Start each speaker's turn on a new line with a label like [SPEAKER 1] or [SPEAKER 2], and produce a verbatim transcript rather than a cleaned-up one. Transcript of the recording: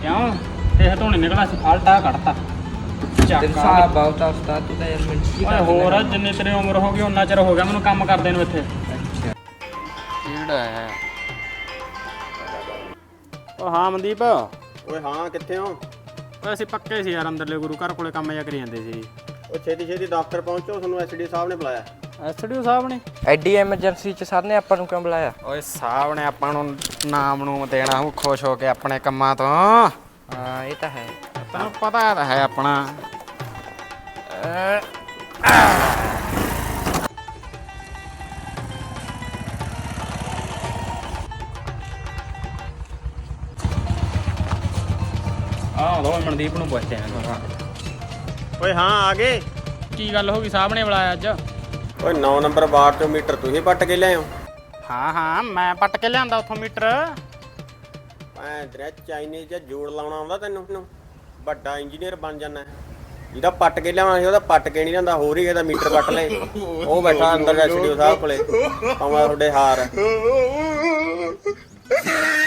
[SPEAKER 1] ਕਿਉਂ ਇਹ ਧੋਣੇ ਨਿਕਲਾ ਸੀ ਫਾਲਟਾ ਕੱਢਤਾ
[SPEAKER 2] ਤੇਰੇ ਸਾਹ ਬਹੁਤ ਆ ਉਸਤਾਦ ਤੂੰ ਤਾਂ ਯਾਰ ਮਿੰਟੀ
[SPEAKER 1] ਓਏ ਹੋਰ ਜਿੰਨੀ ਤੇਰੀ ਉਮਰ ਹੋ ਗਈ ਉਨਾ ਚਿਰ ਹੋ ਗਿਆ ਮੈਨੂੰ ਕੰਮ ਕਰਦੇ ਨੂੰ ਇੱਥੇ।
[SPEAKER 2] ਅੱਛਾ
[SPEAKER 1] ਕਿਹੜਾ ਹੈ? ਓ ਹਾਂ ਮਨਦੀਪ।
[SPEAKER 3] ਓਏ ਹਾਂ ਕਿੱਥੇ ਹੋ?
[SPEAKER 1] ਓਏ ਅਸੀਂ ਪੱਕੇ ਸੀ ਯਾਰ ਅੰਦਰਲੇ ਗੁਰੂ ਘਰ ਕੋਲੇ ਕੰਮ ਜਿਹਾ ਕਰੀ ਜਾਂਦੇ ਸੀ।
[SPEAKER 3] ਉਹ ਛੇਤੀ ਛੇਤੀ ਦਫ਼ਤਰ ਪਹੁੰਚੋ, ਤੁਹਾਨੂੰ ਐਸਡੀ ਸਾਹਿਬ ਨੇ ਬੁਲਾਇਆ।
[SPEAKER 1] ਐਸਡੀਓ ਸਾਹਿਬ ਨੇ?
[SPEAKER 2] ਐਡੀ ਐਮਰਜੈਂਸੀ ਚ ਸਰ ਨੇ ਆਪਾਂ ਨੂੰ ਕਿਉਂ ਬੁਲਾਇਆ?
[SPEAKER 1] ਓਏ ਸਾਹਿਬ ਨੇ ਆਪਾਂ ਨੂੰ ਨਾਮ ਨੂੰ ਦੇਣਾ ਹੂੰ ਖੁਸ਼ ਹੋ ਕੇ ਆਪਣੇ ਕੰਮਾਂ ਤੋਂ।
[SPEAKER 2] ਹਾਂ ਇਹ ਤਾਂ ਹੈ,
[SPEAKER 1] ਤੈਨੂੰ ਪਤਾ ਤਾਂ ਹੈ ਆਪਣਾ। ਆਹ ਲੋ ਮਨਦੀਪ ਨੂੰ ਪੁੱਛਦੇ ਆਂ।
[SPEAKER 3] ਓਏ ਹਾਂ ਆ ਗਏ।
[SPEAKER 1] ਕੀ ਗੱਲ ਹੋ ਗਈ ਸਾਹਿਬ ਨੇ ਬੁਲਾਇਆ ਅੱਜ?
[SPEAKER 3] ਓਏ ਨੌ ਨੰਬਰ ਵਾਰਡ ਚੋਂ ਮੀਟਰ ਤੁਸੀਂ ਪੱਟ ਕੇ ਲਿਆਏ ਹੋ?
[SPEAKER 1] ਹਾਂ ਹਾਂ ਮੈਂ ਪੱਟ ਕੇ ਲਿਆਂਦਾ ਉੱਥੋਂ ਮੀਟਰ।
[SPEAKER 3] ਐ ਤੇਰਾ ਚਾਈਨੀਜ਼ ਜਾਂ ਜੋੜ ਲਾਉਣਾ ਆਉਂਦਾ ਤੈਨੂੰ? ਵੱਡਾ ਇੰਜੀਨੀਅਰ ਬਣ ਜਾਣਾ। ਜਿਹਦਾ ਪੱਟ ਕੇ ਲਿਆਉਣਾ ਸੀ ਉਹਦਾ ਪੱਟ ਕੇ ਨਹੀਂ ਜਾਂਦਾ, ਹੋਰ ਹੀ ਇਹਦਾ ਮੀਟਰ ਪੱਟ ਲੈ। ਉਹ ਬੈਠਾ ਅੰਦਰ ਐਸਡੀਓ ਸਾਹਿਬ ਕੋਲੇ, ਪਾਵਾਂ ਤੁਹਾਡੇ ਹਾਰ।